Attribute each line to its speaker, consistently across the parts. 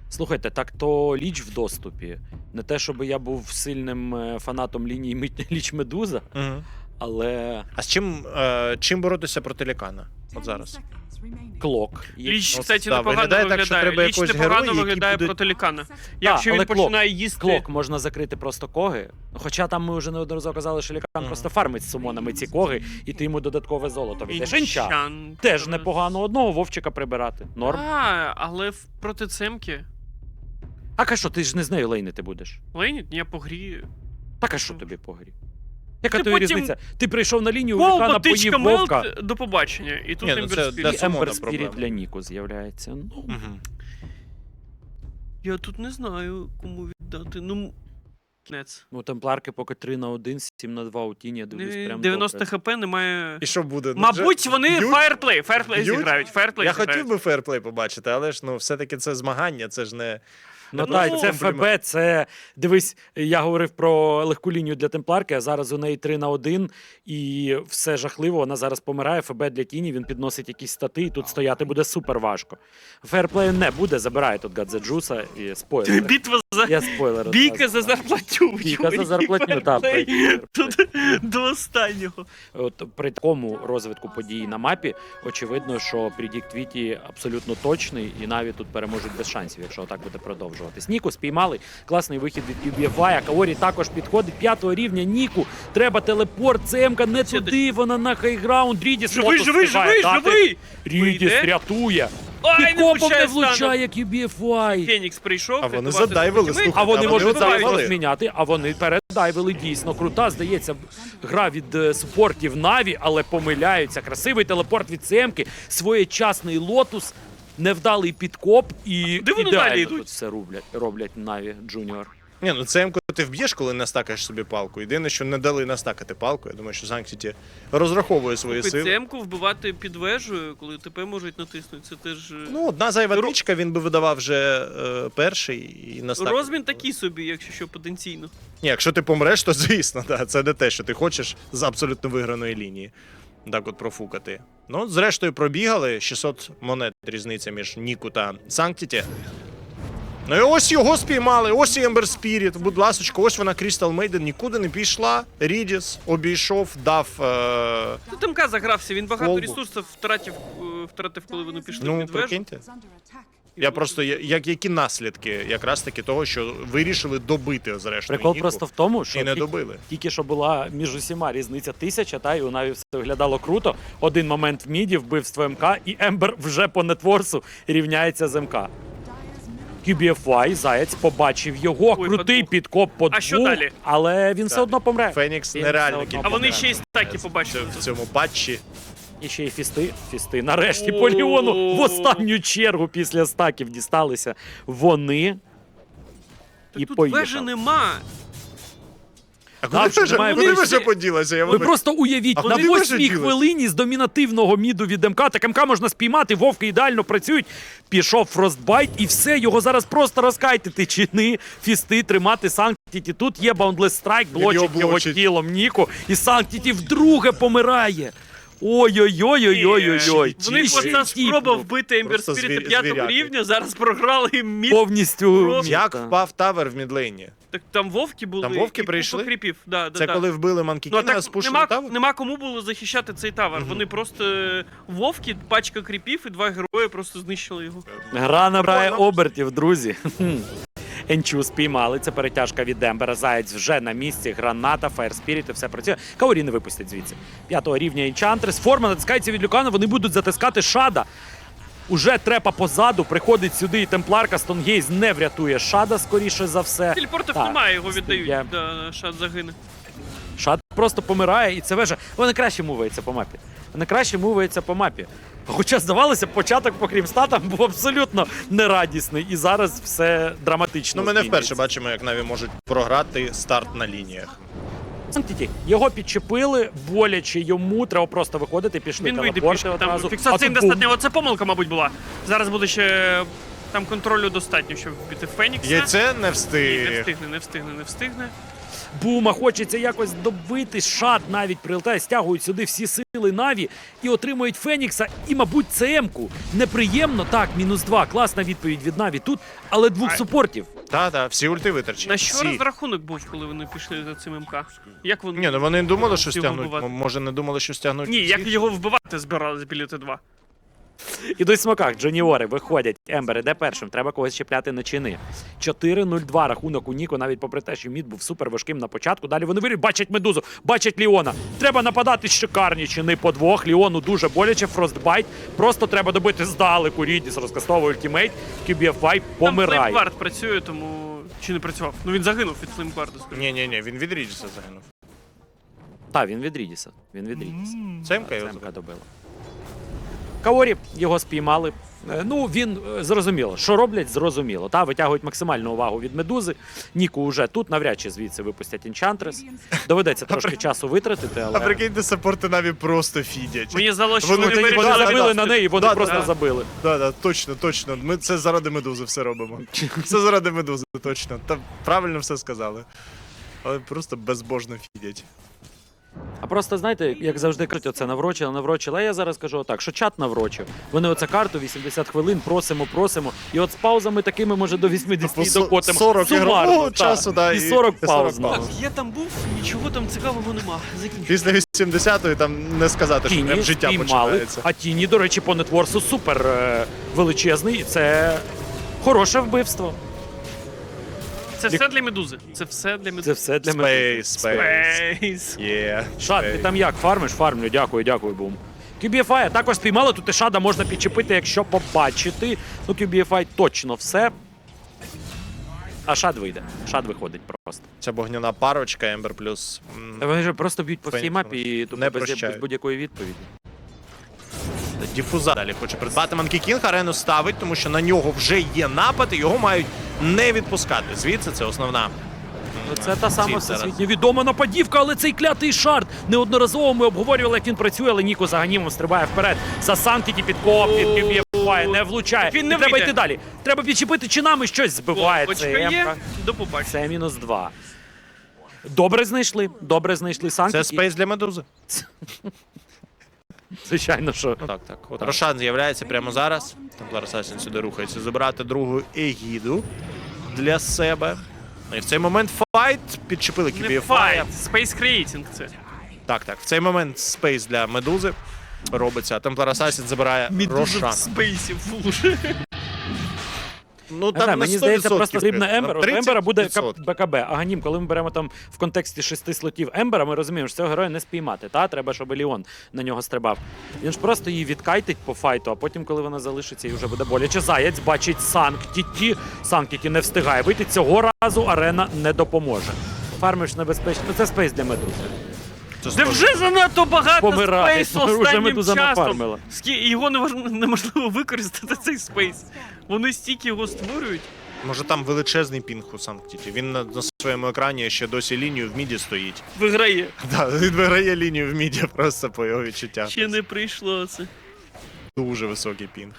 Speaker 1: Слухайте, так то Ліч в доступі. Не те, щоб я був сильним фанатом лінії Ліч Медуза,
Speaker 2: Угу.
Speaker 1: але
Speaker 2: А з чим боротися проти Лікана? От зараз.
Speaker 1: Клок.
Speaker 3: Ліч,
Speaker 2: Ну,
Speaker 3: кстати,
Speaker 2: да,
Speaker 3: непогано
Speaker 2: виглядає так, що
Speaker 3: виглядає.
Speaker 2: треба
Speaker 3: Ліч
Speaker 2: якогось
Speaker 3: непогано
Speaker 2: героя, який
Speaker 3: виглядає
Speaker 2: буде-
Speaker 3: проти Лікана. Якщо
Speaker 1: але
Speaker 3: він починає їсти...
Speaker 1: Клок можна закрити просто коги. Хоча там ми вже неодноразово казали, що Лікан просто фармить з сумонами ці коги, і ти йому додаткове золото віддаєш. Інча.
Speaker 3: Інчан.
Speaker 1: Теж непогано одного вовчика прибирати. Норм.
Speaker 3: Але проти Цемки...
Speaker 1: А що, ти ж не з нею лейнити будеш?
Speaker 3: Лейніт, я по грі...
Speaker 1: Так а що тобі по грі? Яка
Speaker 3: Ти
Speaker 1: тобі
Speaker 3: потім-
Speaker 1: різниця? Ти прийшов на лінію, у
Speaker 3: Пол,
Speaker 1: Лікана
Speaker 3: потичка,
Speaker 1: поїв вовка.
Speaker 3: мелт, до побачення. І тут
Speaker 2: Ні, ну
Speaker 3: Ембер
Speaker 2: це
Speaker 3: Спіріт.
Speaker 1: І
Speaker 2: Сумона
Speaker 1: Ембер Спіріт
Speaker 2: проблема.
Speaker 1: для Ніку з'являється. Ну,
Speaker 2: Угу.
Speaker 3: Я тут не знаю, кому віддати. Ну, нец.
Speaker 1: ну темпларки поки 3-1, 7-2 у тіні, я дивлюсь прям
Speaker 3: 90
Speaker 1: добре.
Speaker 3: хп немає...
Speaker 2: І що буде? Ну,
Speaker 3: Мабуть,
Speaker 2: вже
Speaker 3: вони
Speaker 2: б'ють?
Speaker 3: фаєрплей
Speaker 2: Б'ють?
Speaker 3: зіграють. Фаєрплей
Speaker 2: Я
Speaker 3: зіграють.
Speaker 2: хотів би фейрплей побачити, але ж ну все-таки це змагання, це ж не.
Speaker 1: Ну
Speaker 3: Ну,
Speaker 1: так, це
Speaker 2: комплімент.
Speaker 1: ФБ, це, дивись, я говорив про легку лінію для темпларки, а зараз у неї 3-1, і все жахливо, вона зараз помирає, ФБ для тіні, він підносить якісь стати, і тут стояти буде супер важко. Фейрплею не буде, забирає тут Гадзеджуса, і спойлер.
Speaker 3: Битва за...
Speaker 1: Я спойлер.
Speaker 3: Бійка за зарплатню.
Speaker 1: Бійка за зарплатню, так.
Speaker 3: Тут до останнього.
Speaker 1: От при такому розвитку подій на мапі, очевидно, що предікт Віті абсолютно точний, і навіть тут переможуть без шансів, якщо так буде продовжуватись. Ніку спіймали, класний вихід від QBFI, а Каорі також підходить 5-го рівня. Ніку, треба телепорт, ЦМК не туди, вона на хайграунд, Рідіс
Speaker 3: Живий,
Speaker 1: фото
Speaker 3: живий,
Speaker 1: встигає
Speaker 3: живий,
Speaker 1: дати.
Speaker 3: живий!
Speaker 1: Рідіс
Speaker 3: Вийде.
Speaker 1: рятує.
Speaker 3: Ай, не
Speaker 1: Підкопом не
Speaker 3: влучає стану.
Speaker 1: влучає QBFI.
Speaker 3: Фенікс прийшов.
Speaker 2: А вони
Speaker 3: рятувати
Speaker 2: задайвили,
Speaker 3: своїх
Speaker 2: слухай.
Speaker 1: А вони
Speaker 2: А
Speaker 1: можуть
Speaker 2: вони
Speaker 1: зараз
Speaker 2: вдайвили.
Speaker 1: розміняти, а вони передайвили дійсно. Крута, здається, гра від супортів Наві, але помиляються. Красивий телепорт від Семки, своєчасний лотус, невдалий підкоп і
Speaker 3: Де вони далі
Speaker 1: ідеально
Speaker 3: йдуть?
Speaker 1: тут все роблять Наві Джуніор.
Speaker 2: Ні, ну це МК ти вб'єш, коли настакаєш собі палку. Єдине, що не дали настакати палку. Я думаю, що Санктіті розраховує свої сили.
Speaker 3: ПЦМ-ку вбивати під вежею, коли ТП можуть натиснути, це теж...
Speaker 2: Ну, одна зайва трічка, він би видавав вже перший і настакав.
Speaker 3: Розмін такий собі, якщо що, потенційно.
Speaker 2: Ні, якщо ти помреш, то звісно, да, це не те, що ти хочеш з абсолютно виграної лінії. Так от профукати. Ну, зрештою, пробігали. 600 монет різниця між Ніку та Санктіті. Ну і ось його спіймали, ось і Ембер Спіріт. Будь ласочка, ось вона Крістал Мейден, нікуди не пішла. Рідіс обійшов, дав.
Speaker 3: Тут МК загрався, він багато
Speaker 2: Колбу.
Speaker 3: ресурсів втратив, коли вони пішли
Speaker 2: Ну,
Speaker 3: під вежу.
Speaker 2: прикиньте. Я просто, які наслідки якраз таки того, що вирішили добити зрештою
Speaker 1: Прикол
Speaker 2: Ніку,
Speaker 1: просто в тому, що
Speaker 2: і не добили.
Speaker 1: тільки що була між усіма різниця 1000, та і у Наві все виглядало круто. Один момент в міді, вбивство МК, і Ембер вже по нетворсу рівняється з МК. QBFI, Заєць побачив його,
Speaker 3: Ой,
Speaker 1: крутий
Speaker 3: подвох.
Speaker 1: підкоп по
Speaker 3: А що
Speaker 1: двох,
Speaker 3: далі?
Speaker 1: але він все одно помре.
Speaker 2: Фенікс
Speaker 1: Він
Speaker 2: нереально
Speaker 1: все одно
Speaker 2: кількість
Speaker 3: А вони
Speaker 1: помре.
Speaker 3: ще й стаки побачили.
Speaker 2: в цьому патчі.
Speaker 1: І ще й фісти. Нарешті
Speaker 3: О.
Speaker 1: по Ліону в останню чергу після стаків дісталися вони.
Speaker 3: Так
Speaker 1: І
Speaker 3: тут
Speaker 1: поїхали.
Speaker 3: вежі нема.
Speaker 2: А
Speaker 1: Да,
Speaker 2: куди
Speaker 1: що немає
Speaker 2: куди
Speaker 3: вежі?
Speaker 2: вже поділася? Я
Speaker 1: Ви
Speaker 2: вибач-
Speaker 1: просто уявіть,
Speaker 2: А
Speaker 1: на
Speaker 2: куди ви
Speaker 1: 8-й
Speaker 2: ділись?
Speaker 1: хвилині з домінативного міду від МК, так МК можна спіймати, вовки ідеально працюють. Пішов фростбайт і все, його зараз просто розкайтити. Чини, фісти, тримати Санктіті. Тут є баундлес страйк, блочить
Speaker 2: його
Speaker 1: його
Speaker 2: блочить.
Speaker 1: тілом Ніку, і Санктіті вдруге помирає. Ой-ой-ой-ой-ой-ой.
Speaker 3: В них оця спроба вбити Ембер
Speaker 2: Просто
Speaker 3: Спіріта
Speaker 2: звіряки.
Speaker 3: 5-го рівня, зараз програли мід.
Speaker 1: Повністю.
Speaker 3: Просто-
Speaker 2: Як впав тавер в мідлейні?
Speaker 3: Так там вовки були.
Speaker 2: Там вовки
Speaker 3: і
Speaker 2: прийшли?
Speaker 3: купа кріпів. Да,
Speaker 2: Це коли вбили
Speaker 3: Ну, а
Speaker 2: Манкікіна,
Speaker 3: так
Speaker 2: спушили тавер?
Speaker 3: нема кому було захищати цей тавер. Вони просто вовки, пачка кріпів і 2 герої просто знищили його.
Speaker 1: Гра набирає
Speaker 2: Прикольно.
Speaker 1: обертів, друзі. Енчу спіймали, це перетяжка від Ембера, Заєць вже на місці, граната, Фаєр Спіріт, і все працює. Каорі не випустять звідси. 5-го рівня Енчантрес, форма натискається від Люкана, вони будуть затискати Шада. Уже трепа позаду, приходить сюди і Темпларка, Стонгейз не врятує Шада, скоріше за все.
Speaker 3: Телепортів
Speaker 1: Так,
Speaker 3: немає, його віддають.
Speaker 1: є.
Speaker 3: Да, Шад загине.
Speaker 1: Шад просто помирає, і це вежа. Вони краще мувається по мапі. Вони краще мувається по мапі. Хоча, здавалося, початок по крімстатам був абсолютно нерадісний, і зараз все драматично.
Speaker 2: Ну, ми не
Speaker 1: змінюється.
Speaker 2: вперше бачимо, як Наві можуть програти старт на лініях.
Speaker 1: Санктіті, його підчепили, боляче йому, треба просто виходити, пішли
Speaker 3: Він вийде
Speaker 1: телепорти
Speaker 3: пішки,
Speaker 1: одразу.
Speaker 3: там фіксація
Speaker 1: А тут
Speaker 3: недостатньо. Оце помилка, мабуть, була. Зараз буде ще там контролю достатньо, щоб вбити Фенікса.
Speaker 2: Яйце не
Speaker 3: Ні,
Speaker 2: встиг.
Speaker 3: не встигне.
Speaker 1: Бума хочеться якось добити. Шат навіть прилетає, стягують сюди всі сили Наві і отримують Фенікса. І, мабуть, ЦМ-ку. Неприємно, так, -2. Класна відповідь від Наві тут, але двох супортів.
Speaker 2: Так, всі ульти витрачені.
Speaker 3: На що
Speaker 2: всі.
Speaker 3: розрахунок був, коли вони пішли за цим МК? Як вони?
Speaker 2: Ні, ну вони думали, що
Speaker 3: його
Speaker 2: стягнуть.
Speaker 3: вбивати?
Speaker 2: Може, не думали, що стягнуть.
Speaker 3: Ні, як
Speaker 2: всіх?
Speaker 3: його вбивати збирались біля Т2.
Speaker 1: Ідуть в смоках, Джуніори виходять. Ембер іде першим, треба когось чіпляти на чини. 4-0-2 рахунок у Ніко, навіть попри те, що мід був супер важким на початку. Далі вони вирішують, бачать Медузу, бачать Ліона. Треба нападати шикарні чини по двох. Ліону дуже боляче, фростбайт. Просто треба добити здалеку. Рідіс розкастовує ультимейт. QBFY
Speaker 3: Там
Speaker 1: помирає.
Speaker 3: Флеймгвард працює, тому... Чи не працював? Ну він загинув від Флеймгварда, скажу.
Speaker 2: Ні, він від Ріджеса загинув.
Speaker 1: Так, він від Рідіса. Він від Рідіса.
Speaker 2: Цемка його
Speaker 1: Цемка добила. Каорі його спіймали. Ну, він зрозуміло, що роблять, зрозуміло. Та витягують максимальну увагу від Медузи. Ніку вже тут навряд чи звідси випустять Енчантрес. Доведеться трошки часу витратити, але
Speaker 2: А прикиньте, саппорти Наві просто фідять.
Speaker 3: Мені здалося, що
Speaker 2: Вони
Speaker 3: вони
Speaker 2: тоді
Speaker 1: вони
Speaker 3: вирішили...
Speaker 1: забили на неї, вони
Speaker 2: Да,
Speaker 1: просто
Speaker 3: да.
Speaker 1: забили.
Speaker 2: Да, точно. Ми це заради Медузи все робимо. Все заради Медузи, точно. Та правильно все сказали. Але просто безбожно фідять.
Speaker 1: А просто, знаєте, як завжди кажуть, оце наврочили. А я зараз кажу отак, що чат наврочив. Вони оце карту 80 хвилин просимо. І от з паузами такими, може, до 80
Speaker 2: Типу,
Speaker 1: докотимо.
Speaker 2: 40
Speaker 1: Сумарно,
Speaker 2: ігрового
Speaker 1: так.
Speaker 2: часу, да,
Speaker 1: і 40
Speaker 2: і
Speaker 1: пауз.
Speaker 2: 40 пауз.
Speaker 3: Так, я там був, нічого там цікавого нема. Закінчив.
Speaker 2: Після 80-ї там не сказати, що прям
Speaker 1: Тіні
Speaker 2: життя
Speaker 1: спіймали,
Speaker 2: починається.
Speaker 1: а Тіні, до речі, по нетворсу супер величезний. І це хороше вбивство.
Speaker 3: Це все для Медузи. Це все для
Speaker 1: Це
Speaker 3: Медузи.
Speaker 1: все для мене.
Speaker 3: Спейс.
Speaker 2: Є.
Speaker 1: Шад, ти там як? Фармиш? Фармлю, дякую, бум. QBFI також спіймали, тут і Шада можна підчепити, якщо побачити. Ну, QBFI точно все. А Шад вийде. Шад виходить просто.
Speaker 2: Ця вогняна парочка, Ембер плюс.
Speaker 1: Та вони ж просто б'ють по всій
Speaker 2: Фенікс
Speaker 1: мапі і тупо
Speaker 2: не
Speaker 1: без
Speaker 2: прощають.
Speaker 1: будь-якої відповіді.
Speaker 2: Діфуза далі хоче придбати Манкі Кінг, арену ставить, тому що на нього вже є напад, і його мають не відпускати. Звідси це основна.
Speaker 1: Ну, це та сама
Speaker 2: ціль зараз.
Speaker 1: всесвітньо відома нападівка, але цей клятий шард. Неодноразово ми обговорювали, як він працює, але Ніко за ганімом стрибає вперед. За Санктіті підкоп, від QBFY, не влучає.
Speaker 3: Він не
Speaker 1: І треба
Speaker 3: вийде.
Speaker 1: йти далі. Треба підчепити чинами, щось збиває.
Speaker 3: Бочка
Speaker 1: Це
Speaker 3: є,
Speaker 1: Емка.
Speaker 3: до побачення.
Speaker 1: Це -2. Добре знайшли Санктіті.
Speaker 2: Це спейс для Медузи.
Speaker 1: Звичайно, що.
Speaker 2: Так. От Рошан з'являється прямо зараз. Темплар Асасін сюди рухається забирати другу егіду для себе. Ну, і в цей момент файт підчепили
Speaker 3: Не
Speaker 2: QBFI.
Speaker 3: файт, Space Creating це.
Speaker 2: Так. В цей момент спейс для Медузи робиться, а Темплар Асасін забирає Рошана.
Speaker 3: в спейсі фулж.
Speaker 2: Ну
Speaker 1: Не знаю, мені здається, просто потрібна Ембер. От
Speaker 2: 30%.
Speaker 1: Ембера буде БКБ. А Ганім, коли ми беремо там в контексті 6 слотів Ембера, ми розуміємо, що цього героя не спіймати. Та треба, щоб Ліон на нього стрибав. Він ж просто її відкайтить по файту, а потім, коли вона залишиться, і вже буде боляче. Заєць бачить Санктіті. Санктіті не встигає вийти. Цього разу арена не допоможе. Фармиш небезпечно. Ну, це спейс для Медузи.
Speaker 3: Де вже занадто багато
Speaker 1: Помирає.
Speaker 3: спейсу
Speaker 1: Вже
Speaker 3: останнім
Speaker 1: Медуза
Speaker 3: часом.
Speaker 1: нафармила.
Speaker 3: Його неможливо використати, цей спейс. Вони стільки його створюють.
Speaker 2: Може там величезний пінг у Санктіті. Він на своєму екрані ще досі лінію в міді стоїть.
Speaker 3: Виграє.
Speaker 2: Так, він виграє лінію в міді просто по його відчуттях.
Speaker 3: Ще не прийшло це.
Speaker 2: Дуже високий пінг.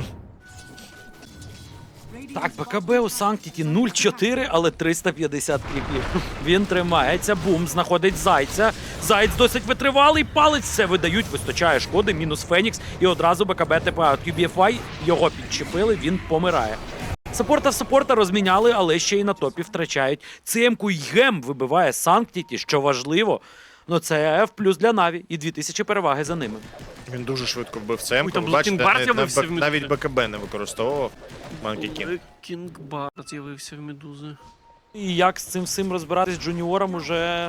Speaker 1: Так, БКБ у Санктіті 0-4, але 350 кріпів. Він тримається, бум, знаходить Зайця. Заєць досить витривалий, палець все видають, вистачає шкоди, мінус Фенікс, і одразу БКБ ТПА. QBFY його підчепили, він помирає. Саппорта розміняли, але ще й на топі втрачають. ЦМ-ку й Гем вибиває Санктіті, що важливо. Ну це F плюс для Наві і 2000 переваги за ними.
Speaker 2: Він дуже швидко вбив ЦМ.
Speaker 3: Ой, там
Speaker 2: Ви бачите,
Speaker 3: Блокінг Бар з'явився в
Speaker 2: навіть
Speaker 3: Медузі.
Speaker 2: БКБ не використовував Манкі Кінг.
Speaker 3: Кінгбар з'явився в Медузи.
Speaker 1: І як з цим всім розбиратись джуніорам уже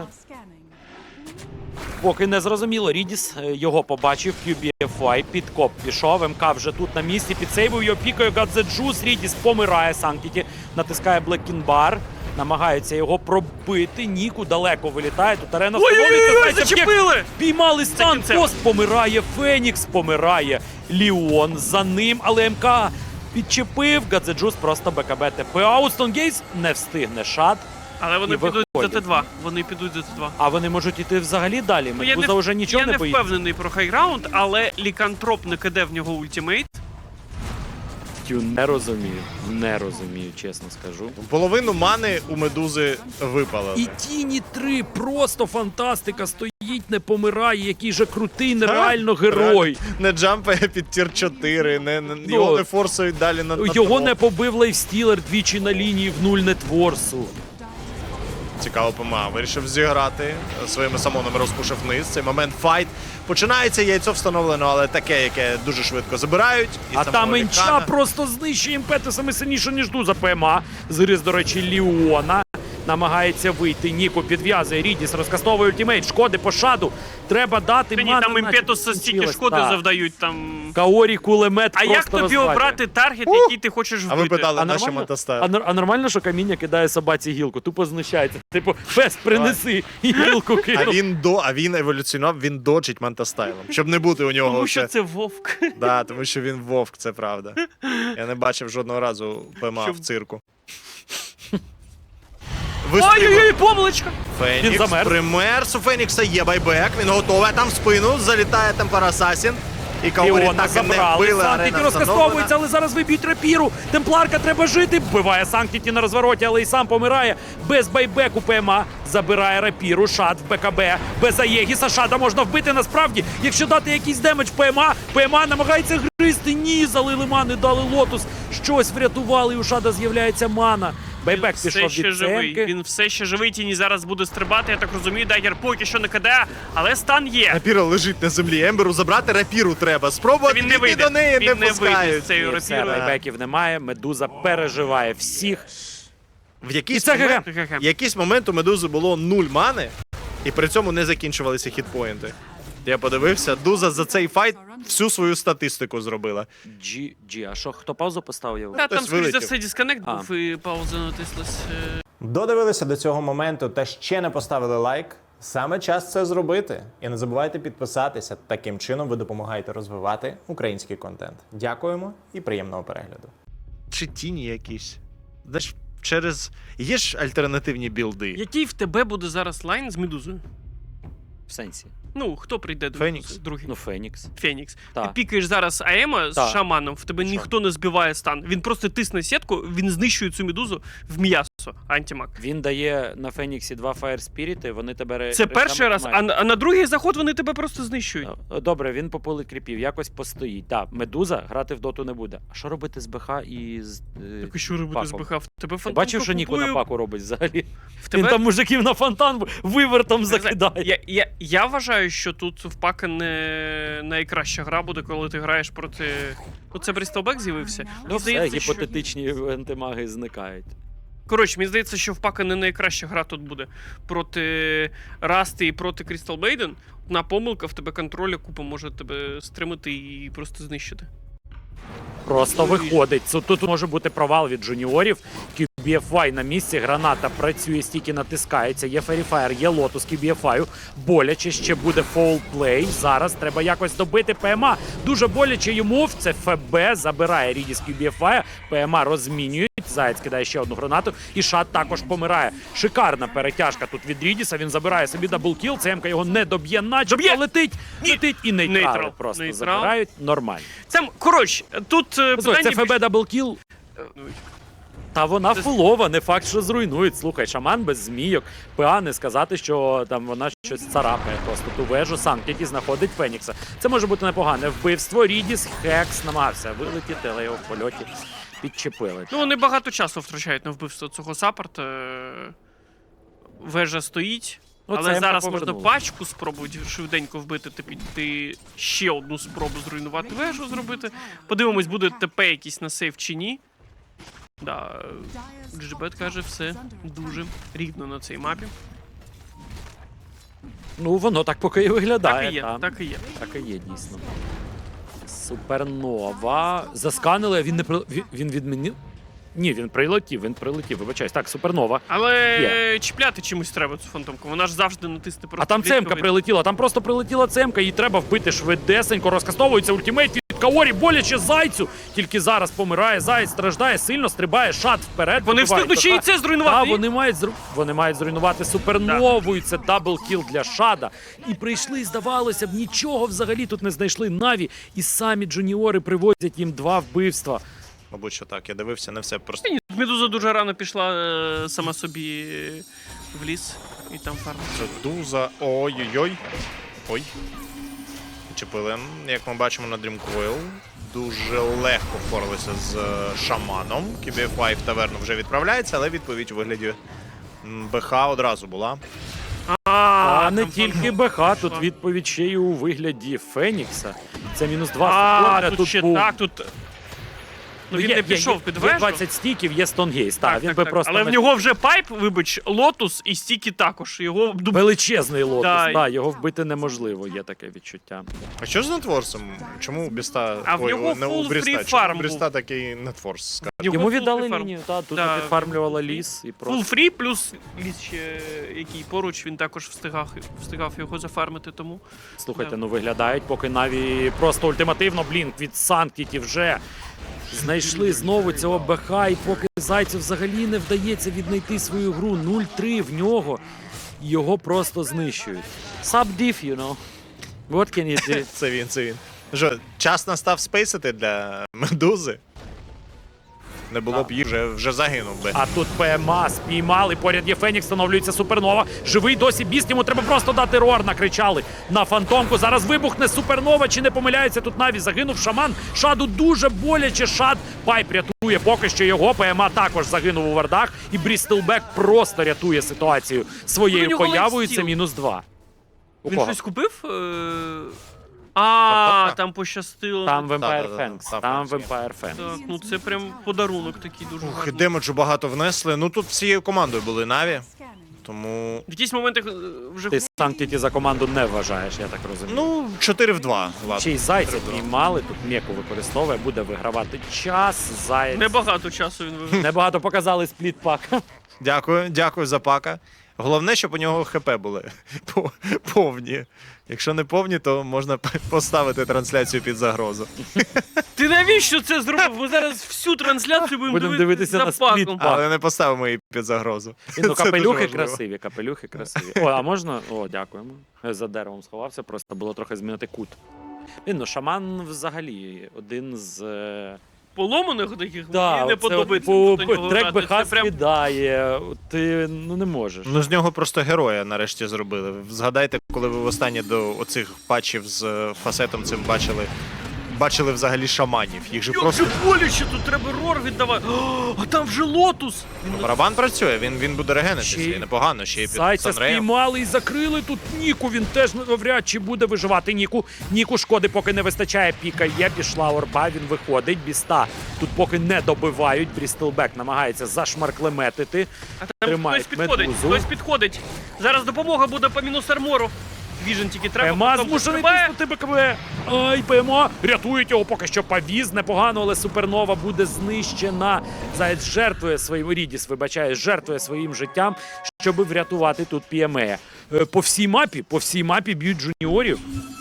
Speaker 1: поки не зрозуміло. Рідіс його побачив, QBFY, підкоп пішов, МК вже тут на місці, підсейвив його, пікає Гадзеджус, Рідіс помирає, Санктіті натискає Блекінбар, намагається його пробити, Ніку далеко вилітає, тут арена
Speaker 3: Ой-ой-ой,
Speaker 1: встановлюється,
Speaker 3: зачепили!
Speaker 1: піймали стан,
Speaker 3: кінцем.
Speaker 1: пост помирає, Фенікс помирає, Ліон за ним, але МК підчепив, Гадзеджус просто БКБ ТП, Аустон Гейс не встигне Шад.
Speaker 3: Але вони
Speaker 1: І
Speaker 3: підуть за
Speaker 1: виходять.
Speaker 3: Т2. Вони підуть за Т2.
Speaker 1: А вони можуть іти взагалі далі.
Speaker 3: Ну, я
Speaker 1: Медуза вже нічого
Speaker 3: я
Speaker 1: не
Speaker 3: не
Speaker 1: боїться.
Speaker 3: впевнений про хайграунд, але лікантроп не киде в нього ультимейт.
Speaker 1: Тю, не розумію, чесно скажу.
Speaker 2: Половину мани у Медузи випалили.
Speaker 1: І Тіні 3 просто фантастика, стоїть, не помирає, який же крутий, нереально герой.
Speaker 2: Не джампає під тір 4, його не форсують далі на
Speaker 1: Його
Speaker 2: топ.
Speaker 1: не побив Лейфстілер двічі на лінії в 0 нетворсу.
Speaker 2: Цікаво, ПМА вирішив зіграти. Своїми самонами розпушив вниз. Цей момент файт. Починається, яйцо встановлено, але таке, яке дуже швидко забирають. І
Speaker 1: А
Speaker 2: самого
Speaker 1: там Інча
Speaker 2: Лікана.
Speaker 1: просто знищує імпетусами сильніше, ніж Дуза ПМА. Згриз, до речі, Ліона. Намагається вийти. Ніку підв'язує. Рідіс розкастовує ультимейт. Шкоди по шаду. Треба дати
Speaker 3: Мені
Speaker 1: мана.
Speaker 3: там
Speaker 1: наче
Speaker 3: імпетуса стільки
Speaker 1: закінчилась.
Speaker 3: шкоди
Speaker 1: Так.
Speaker 3: завдають там.
Speaker 1: Каорі кулемет
Speaker 3: А
Speaker 1: просто
Speaker 3: як тобі
Speaker 1: розвалює.
Speaker 3: обрати таргет, який ти хочеш вбити?
Speaker 2: А ви питали,
Speaker 1: А
Speaker 2: на що
Speaker 1: нормально?
Speaker 2: Мотостайл?
Speaker 1: А нормально, що каміння кидає собаці гілку? Тупо знущається. Типу, фест, принеси і гілку кинув.
Speaker 2: А він еволюціонував, він доджить Мантастайлом. Щоб не бути у нього.
Speaker 3: Тому що
Speaker 2: оце-
Speaker 3: це вовк.
Speaker 2: Да, тому що він вовк, це правда. Я не бачив жодного разу ПМА
Speaker 3: Щоб-
Speaker 2: в цирку.
Speaker 3: Ой-ой-ой, помилочка!
Speaker 1: Він
Speaker 2: Фенікс
Speaker 1: замерз.
Speaker 2: примерз, у Фенікса є байбек, він готовий, там в спину, залітає Темпер Асасін. І Каорі
Speaker 1: Іона
Speaker 2: так і не
Speaker 1: забрали,
Speaker 2: вбили,
Speaker 1: Санктіті
Speaker 2: арена
Speaker 1: розкастовується,
Speaker 2: встановлена.
Speaker 1: але зараз виб'ють рапіру. Темпларка треба жити, вбиває Санктіті на розвороті, але і сам помирає. Без байбеку ПМА забирає рапіру, Шад в БКБ. Без Аєгіса Шада можна вбити насправді. Якщо дати якийсь демедж ПМА намагається гризти. Ні, залили мани, дали лотус. Щось врятували, і у Шада з'являється мана. Байбек
Speaker 3: Все
Speaker 1: пішов
Speaker 3: ще
Speaker 1: від
Speaker 3: живий.
Speaker 1: цемки.
Speaker 3: Він все ще живий, Тіні зараз буде стрибати, я так розумію, Дагер поки що не кидає, але стан є.
Speaker 2: Рапіра лежить на землі, Емберу забрати рапіру треба. Спробувати
Speaker 3: Він не вийде.
Speaker 2: до неї
Speaker 3: Він
Speaker 2: не
Speaker 3: не вийде
Speaker 2: пускають.
Speaker 3: з цією
Speaker 1: І все,
Speaker 3: рапірою.
Speaker 1: байбеків немає, Медуза переживає всіх.
Speaker 2: В
Speaker 1: І
Speaker 2: якийсь
Speaker 1: це
Speaker 2: момент,
Speaker 3: ГГ.
Speaker 2: якийсь момент у Медузи було 0 мани, і при цьому не закінчувалися хітпоінти. Я подивився, Дуза за цей файт всю свою статистику зробила.
Speaker 1: А що, хто паузу поставив?
Speaker 3: Та, там,
Speaker 2: Хтось
Speaker 3: скоріш за
Speaker 2: вилетів.
Speaker 3: все, дисконект
Speaker 1: А.
Speaker 3: був і пауза натислась.
Speaker 4: Додивилися до цього моменту та ще не поставили лайк? Саме час це зробити. І не забувайте підписатися. Таким чином ви допомагаєте розвивати український контент. Дякуємо і приємного перегляду.
Speaker 2: Чи тіні якісь? Знаєш, через... Є ж альтернативні білди.
Speaker 3: Який в тебе буде зараз лайн з Медузою?
Speaker 1: В сенсі.
Speaker 3: Ну, хто прийде до
Speaker 2: Фенікс.
Speaker 3: Медузи? Другий.
Speaker 1: Ну, Фенікс.
Speaker 3: Фенікс.
Speaker 1: Та.
Speaker 3: Ти пікаєш зараз АЕМа з
Speaker 1: Та.
Speaker 3: шаманом, в тебе
Speaker 1: Що?
Speaker 3: ніхто не збиває стан. Він просто тисне сітку, він знищує цю медузу в м'ясо, антимаг.
Speaker 1: Він дає на Феніксі 2 Fire Spirit, вони тебе...
Speaker 3: Це перший раз,
Speaker 1: тримають.
Speaker 3: а на другий заход вони тебе просто знищують.
Speaker 1: Добре, він попилить кріпів, якось постоїть. Так, Медуза грати в доту не буде. А що робити з БХ і з
Speaker 3: Так і що робити з
Speaker 1: паком?
Speaker 3: БХ? В тебе
Speaker 1: Ти
Speaker 3: фантом
Speaker 1: бачив, що Ніко на паку робить взагалі?
Speaker 3: В тебе...
Speaker 1: Він там мужиків на фонтан вивертом
Speaker 3: Не знаю,
Speaker 1: закидає.
Speaker 3: я вважаю, що тут в Пака не найкраща гра буде, коли ти граєш проти... Ну, це Брістолбек з'явився.
Speaker 1: Ну
Speaker 3: Мені
Speaker 1: все,
Speaker 3: здається, що...
Speaker 1: гіпотетичні антимаги зникають.
Speaker 3: Коротше, мені здається, що в Пака не найкраща гра тут буде. Проти Расти і проти Крістал Бейден. Одна помилка, в тебе контроля купа може тебе стримати і просто знищити.
Speaker 1: Просто виходить. Тут може бути провал від джуніорів. QBFY на місці, граната працює, стільки натискається, є Феріфаєр, є лотус QBFY. Боляче, ще буде фолплей. Зараз треба якось добити ПМА. Дуже боляче йому, це ФБ забирає Рідіс QBFY, ПМА розмінюють, Заєць кидає ще одну гранату, і Шат також помирає. Шикарна перетяжка тут від Рідіса, він забирає собі даблкіл, ЦМК його не доб'є, начебто летить і нейтрали
Speaker 3: Нейтрал.
Speaker 1: просто
Speaker 3: Нейтрал.
Speaker 1: забирають. Нормально.
Speaker 3: Це, коротше, тут
Speaker 1: Слухай,
Speaker 3: питання...
Speaker 1: це ФБ даблкіл. Та вона фулова, не факт, що зруйнують. Слухай, шаман без змійок. ПА не сказати, що там вона щось царапає. Просто ту вежу Санктіті знаходить Фенікса. Це може бути непогане вбивство. Рідіс, Хекс намагався вилетіти, але його в польоті підчепили.
Speaker 3: Ну, вони багато часу втрачають на вбивство цього саппорта. Вежа стоїть.
Speaker 1: Ну,
Speaker 3: Але
Speaker 1: це
Speaker 3: зараз
Speaker 1: ми
Speaker 3: можна
Speaker 1: повернули.
Speaker 3: пачку спробувати швиденько вбити та піти ще одну спробу зруйнувати вежу зробити. Подивимось, буде ТП якийсь на сейф чи ні. Да, Джибет каже, все дуже рівно на цій мапі.
Speaker 1: Ну, воно так поки і виглядає.
Speaker 3: Так і є,
Speaker 1: та.
Speaker 3: так і є.
Speaker 1: Так і є, дійсно. Супернова. Засканили, а він не він відмінив? Ні, він прилетів, вибачаюсь. Так, супернова.
Speaker 3: Але
Speaker 1: Є.
Speaker 3: чіпляти чимось треба цю фантомку. Вона ж завжди натисне просто.
Speaker 1: А там
Speaker 3: клітковий.
Speaker 1: цемка прилетіла, там просто прилетіла цемка, її треба вбити швидесенько, розкастовується ультимейт від Каорі, боляче Зайцю. Тільки зараз помирає, Заяць страждає, сильно стрибає, Шат вперед.
Speaker 3: Вони
Speaker 1: вибивають
Speaker 3: встигнуть ще і
Speaker 1: ПХ.
Speaker 3: це зруйнувати.
Speaker 1: Та, вони мають зруйнувати супернову, і це даблкіл для Шада. І прийшли, здавалося б, нічого взагалі тут не знайшли Наві, і самі джуніори привозять їм 2 вбивства.
Speaker 2: Мабуть, що так. Я дивився, не все просто.
Speaker 3: Ні, Медуза дуже рано пішла сама собі в ліс і там фармить.
Speaker 2: Медуза. Ой-ой-ой. Ой. Чепили. Як ми бачимо на Dreamcoil, дуже легко впоралися з шаманом. KBFY в таверну вже відправляється, але відповідь у вигляді БХ одразу була.
Speaker 1: А не
Speaker 3: там
Speaker 1: тільки
Speaker 3: фармить.
Speaker 1: БХ, тут відповідь ще й у вигляді Фенікса. Це мінус 2
Speaker 3: А,
Speaker 1: секунди,
Speaker 3: тут ще
Speaker 1: був...
Speaker 3: так, тут... Ну він не пішов під
Speaker 1: Є
Speaker 3: вежу.
Speaker 1: 20 стіків, є Стонгейс, так, він би просто...
Speaker 3: Але в
Speaker 1: не-
Speaker 3: нього вже пайп, вибач, лотус і стіки також. Його
Speaker 1: Величезний лотос,
Speaker 3: Да.
Speaker 1: да, його вбити неможливо, є таке відчуття.
Speaker 2: А що з нетворсом? Чому у Біста...
Speaker 3: А в
Speaker 2: Ой,
Speaker 3: нього
Speaker 2: не у
Speaker 3: full
Speaker 2: Бріста.
Speaker 3: free
Speaker 2: Чому
Speaker 3: farm
Speaker 2: у Бріста такий нетворс?
Speaker 1: Йому віддали
Speaker 3: full free farm.
Speaker 1: лінію, та, тут
Speaker 3: Да.
Speaker 1: підфармлювала ліс і просто...
Speaker 3: Full free, плюс ліс ще, який поруч, він також встигав його зафармити, тому...
Speaker 1: Слухайте,
Speaker 3: Да.
Speaker 1: ну виглядають, поки Наві просто ультимативно, блінк від Санктіті вже знайшли знову цього БХ, і поки Зайцю взагалі не вдається віднайти свою гру 0-3 в нього, його просто знищують. Sub-diff, you know. What can you do?
Speaker 2: Це він. Що, час настав спейсити для Медузи? Не було б їх, вже загинув би.
Speaker 1: А тут ПМА спіймали, поряд є Фенікс, встановлюється Супернова. Живий досі Біст, йому треба просто дати рор, накричали на фантомку. Зараз вибухне Супернова, чи не помиляється тут Наві, загинув шаман. Шаду дуже боляче, Шад Пайп рятує поки що його, ПМА також загинув у вардах, і Брістелбек просто рятує ситуацію
Speaker 3: У
Speaker 1: своєю
Speaker 3: нього
Speaker 1: появою, це
Speaker 3: лайфстіл.
Speaker 1: мінус 2. У
Speaker 3: Він
Speaker 1: кого?
Speaker 3: щось купив?
Speaker 2: Тобто,
Speaker 3: Там пощастило.
Speaker 1: Там Vampire
Speaker 2: Да-да-да,
Speaker 1: Fangs,
Speaker 2: там
Speaker 1: там
Speaker 2: Fangs є.
Speaker 1: Vampire Fangs.
Speaker 3: Так, ну це прям подарунок такий дуже
Speaker 2: Ух, і
Speaker 3: гарний.
Speaker 2: демеджу багато внесли. Ну тут всією командою були Наві, тому...
Speaker 3: В якісь моменти вже
Speaker 1: Ти Санктіті за команду не вважаєш, я так розумію.
Speaker 2: Ну, 4 в 2, ладно.
Speaker 1: Ще й Зайця піймали, тут Меку використовує, буде вигравати час. Заєць.
Speaker 3: небагато часу він вивів.
Speaker 1: Небагато показали спліт-пак.
Speaker 2: Дякую за пака. Головне, щоб у нього ХП були повні. Якщо не повні, то можна поставити трансляцію під загрозу.
Speaker 3: Ти навіщо це зробив? Ми зараз всю трансляцію будемо
Speaker 1: Будемо дивитися на
Speaker 3: за паком.
Speaker 1: спліт.
Speaker 2: Але не поставимо її під загрозу.
Speaker 1: Ну,
Speaker 2: Це дуже
Speaker 1: капелюхи
Speaker 2: важливо.
Speaker 1: красиві, капелюхи красиві. О, а можна? О, дякуємо. За деревом сховався, просто було трохи змінити кут. Ну, шаман взагалі один з...
Speaker 3: Поломаних таких
Speaker 1: Да,
Speaker 3: мені не
Speaker 1: оце
Speaker 3: подобається.
Speaker 1: от
Speaker 3: до нього
Speaker 1: трек
Speaker 3: грати.
Speaker 1: БХ
Speaker 3: Це прям
Speaker 1: скидає, ти ну не можеш.
Speaker 2: Ну, з нього просто героя нарешті зробили. Згадайте, коли ви востаннє до оцих патчів з фасетом цим бачили взагалі шаманів. Їх же
Speaker 3: Як
Speaker 2: просто...
Speaker 3: же боляче, тут треба рор віддавати. О, а там вже лотус.
Speaker 2: Барабан працює, він буде регенитися,
Speaker 1: Ще й
Speaker 2: і непогано, ще й під
Speaker 1: Зайця
Speaker 2: Санреєм.
Speaker 1: спіймали і закрили тут Ніку. Він теж навряд чи буде виживати Ніку. Ніку шкоди поки не вистачає. Піка є, пішла орба, він виходить. Біста тут поки не добивають. Брістелбек намагається зашмарклеметити.
Speaker 3: А там
Speaker 1: Тримають
Speaker 3: хтось підходить,
Speaker 1: Медузу.
Speaker 3: хтось підходить. Зараз допомога буде по мінус армору. Віжен тільки треба.
Speaker 1: ПМА
Speaker 3: потім
Speaker 1: змушений
Speaker 3: стрибає.
Speaker 1: тиснути БКБ. Ай, ПМА рятують його поки що повіз. Непогано, але Супернова буде знищена. Заєць жертвує своїм Рідіс, вибачає, жертвує своїм життям, щоб врятувати тут PMA. По всій мапі б'ють джуніорів.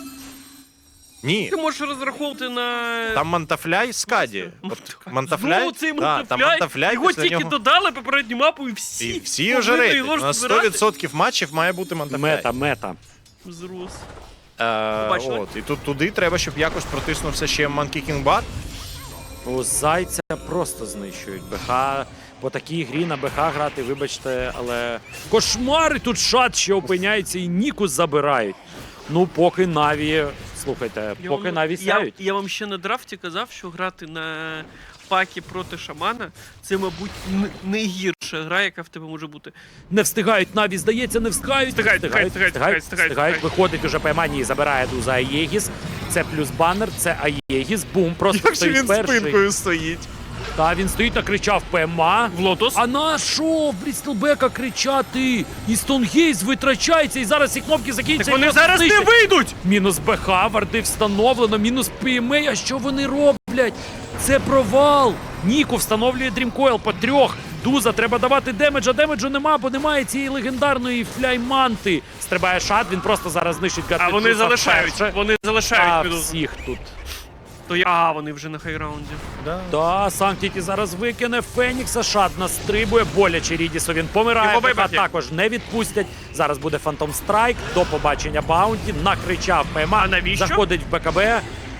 Speaker 2: Ні,
Speaker 3: Ти можеш розраховувати на...
Speaker 2: там Мантафляй Скаді. От Мантафляй,
Speaker 3: Знову цей
Speaker 2: да, там
Speaker 3: Мантафляй.
Speaker 2: Мантафляй,
Speaker 3: Його
Speaker 2: після
Speaker 3: тільки
Speaker 2: нього...
Speaker 3: додали попередню мапу і всі.
Speaker 2: І всі вже
Speaker 3: повинні
Speaker 2: рейтинг.
Speaker 3: його ж
Speaker 2: На
Speaker 3: збирати.
Speaker 2: 100% матчів має бути Мантафляй.
Speaker 1: Мета.
Speaker 3: Зрос.
Speaker 2: От, і тут туди треба, щоб якось протиснувся ще Monkey King Bot.
Speaker 1: У Зайця просто знищують. БХ по такій грі на БХ грати, вибачте, але кошмари тут Шад ще опиняється і Ніку забирають. Ну, поки Наві, слухайте, поки Наві сяють.
Speaker 3: Я вам ще на драфті казав, що грати на пакі проти шамана це, мабуть, найгірша гра, яка в тебе може бути.
Speaker 1: Не встигають Наві, здається, не встигають.
Speaker 3: Встигають.
Speaker 1: Виходить уже ПМА, ні, забирає Дуза Аєгіс. Це плюс банер, це Аєгіс. Бум, просто
Speaker 2: Як же
Speaker 1: стоїть
Speaker 2: він
Speaker 1: перший.
Speaker 2: спинкою стоїть.
Speaker 1: Та він стоїть, накричав ПМА.
Speaker 3: В лотос.
Speaker 1: А на що в Брістелбека кричати? І Стонгейз витрачається, і зараз ці кнопки закінчаться.
Speaker 3: Так вони
Speaker 1: і
Speaker 3: зараз не
Speaker 1: знищать.
Speaker 3: вийдуть!
Speaker 1: Мінус БХ, варди встановлено, мінус ПМА. А що вони роблять? Це провал. Ніку встановлює Дрімкойл по 3. Дуза, треба давати демедж, а демеджу нема, бо немає цієї легендарної фляйманти. Стрибає Шад, він просто зараз знищить
Speaker 3: А
Speaker 1: Гатли
Speaker 3: вони
Speaker 1: Дуза
Speaker 3: залишають.
Speaker 1: вперше.
Speaker 3: Вони
Speaker 1: А
Speaker 3: залишають Медузу.
Speaker 1: всіх тут.
Speaker 3: Вони вже на хайраунді.
Speaker 1: Да, Санктіті зараз викине Фенікса, Шад настрибує, боляче Рідісу, він помирає,
Speaker 3: Його
Speaker 1: БХ
Speaker 3: вибрати.
Speaker 1: також не відпустять. Зараз буде Фантом Страйк, до побачення Баунті, накричав ПМА,
Speaker 3: А навіщо?
Speaker 1: заходить в БКБ.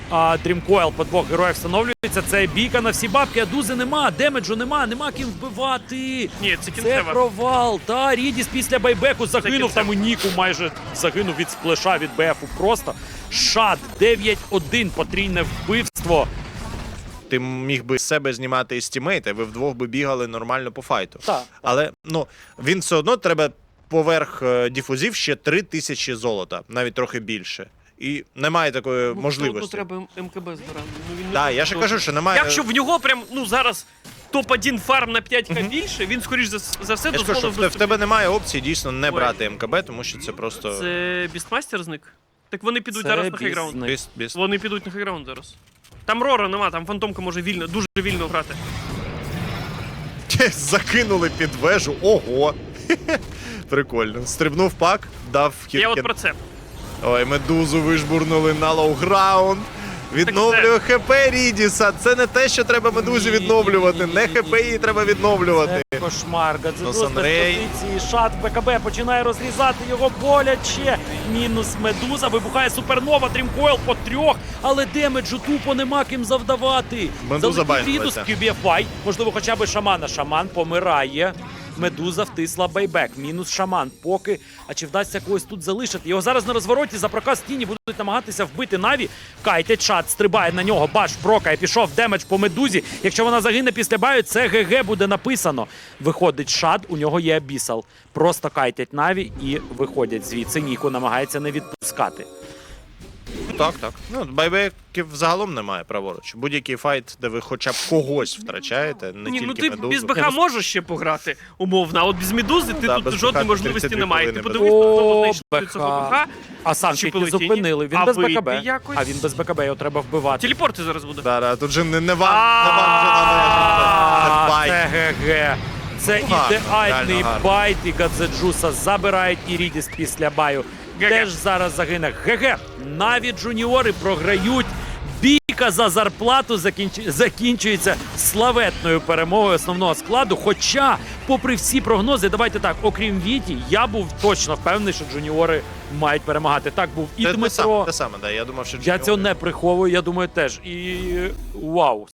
Speaker 1: Дрімкойл по двох героїв встановлюється. Це бійка на всі бабки, а Дузи нема, демеджу нема ким вбивати.
Speaker 3: Ні, це
Speaker 1: Це
Speaker 3: кінцева.
Speaker 1: провал. Та Рідіс після байбеку загинув,
Speaker 3: кінцева.
Speaker 1: там і Ніку майже загинув від сплеша від БФу. Просто шат 9-1, потрійне вбивство.
Speaker 2: Ти міг би з себе знімати із тімейта, ви вдвох би бігали нормально по файту.
Speaker 1: Так.
Speaker 2: Але ну, він все одно треба поверх діфузів ще 3000 золота, навіть трохи більше. І немає такої можливості.
Speaker 3: Тут треба МКБ збирати. Ну, він не
Speaker 2: Так,
Speaker 3: буде
Speaker 2: я ж
Speaker 3: дуже.
Speaker 2: кажу, що немає.
Speaker 3: Якщо в нього прям, ну, зараз топ-1 фарм на 5к більше, він, скоріш за все,
Speaker 2: Я ж кажу, що
Speaker 3: дозволив
Speaker 2: в тебе немає опції дійсно не
Speaker 3: Ой.
Speaker 2: брати МКБ, тому що це просто
Speaker 3: Це Бістмастер зник? Так вони підуть
Speaker 1: Це
Speaker 3: зараз на хайграунд.
Speaker 1: Бізник.
Speaker 2: біст.
Speaker 3: Вони підуть на хайграунд зараз. Там Рора нема, там Фантомка може вільно, дуже вільно грати.
Speaker 2: Закинули під вежу. Ого! Прикольно. Стрибнув пак, дав хід.
Speaker 3: Я от про це.
Speaker 2: Ой, медузу вижбурнули на лоу-граунд. Відновлює ХП Рідіса. Це не те, що треба медузі відновлювати. Не ХП її треба відновлювати.
Speaker 1: Це кошмар. Гадзедус без
Speaker 2: Санрей.
Speaker 1: позиції. Шат БКБ починає розрізати його боляче. Мінус медуза. Вибухає супернова. Дрімкойл по трьох. Але демеджу тупо нема ким завдавати.
Speaker 2: Медуза
Speaker 1: Залетів Рідус,
Speaker 2: байнулася.
Speaker 1: QBFY. Можливо, хоча б шамана. Шаман помирає. Медуза втисла байбек. Мінус шаман. Поки. А чи вдасться когось тут залишити? Його зараз на розвороті за проказ тіні будуть намагатися вбити Наві. Кайтять шат, стрибає на нього. Баш прокає. Пішов демедж по медузі. Якщо вона загине після баю, це ГГ буде написано. Виходить шат, у нього є абісал. Просто кайтять Наві і виходять звідси. Ніку намагається не відпускати.
Speaker 2: Так. Ну, байбеків загалом немає праворуч. Будь-який файт, де ви хоча б когось втрачаєте, не
Speaker 3: Ні, ну
Speaker 2: тільки
Speaker 3: ти
Speaker 2: медузу.
Speaker 3: без БХ можеш ще пограти, умовно, а от без медузи ти
Speaker 2: Да,
Speaker 3: тут
Speaker 2: без
Speaker 3: жодної
Speaker 2: БХ
Speaker 3: можливості
Speaker 2: 32
Speaker 3: немає. Ти
Speaker 2: хвилини
Speaker 3: подивись, хто
Speaker 1: О,
Speaker 3: знайшли цього БХ.
Speaker 1: А Санкт не
Speaker 3: полетіли?
Speaker 1: зупинили. Він
Speaker 3: А
Speaker 1: без
Speaker 3: вийти
Speaker 1: БКБ.
Speaker 3: якось?
Speaker 1: А він без БКБ, його треба вбивати.
Speaker 3: Телепорти зараз буде.
Speaker 2: Да, тут же не вам вже належить. Це байт.
Speaker 1: Це ГГ. Це
Speaker 2: Ну, гарно,
Speaker 1: ідеальний
Speaker 2: реально гарно.
Speaker 1: байт, і Гадзеджуса забирають, і Рідіс після баю
Speaker 3: ГГ.
Speaker 1: теж зараз загине. ГГ. Навіть джуніори програють. Бійка за зарплату закінчується славетною перемогою основного складу. Хоча, попри всі прогнози, давайте так, окрім Віті, я був точно впевнений, що джуніори мають перемагати. Так був і
Speaker 2: Те
Speaker 1: Дмитро.
Speaker 2: саме, да. Я думав, що
Speaker 1: Я цього
Speaker 2: Джуніори-
Speaker 1: не приховую, я думаю, теж. І вау.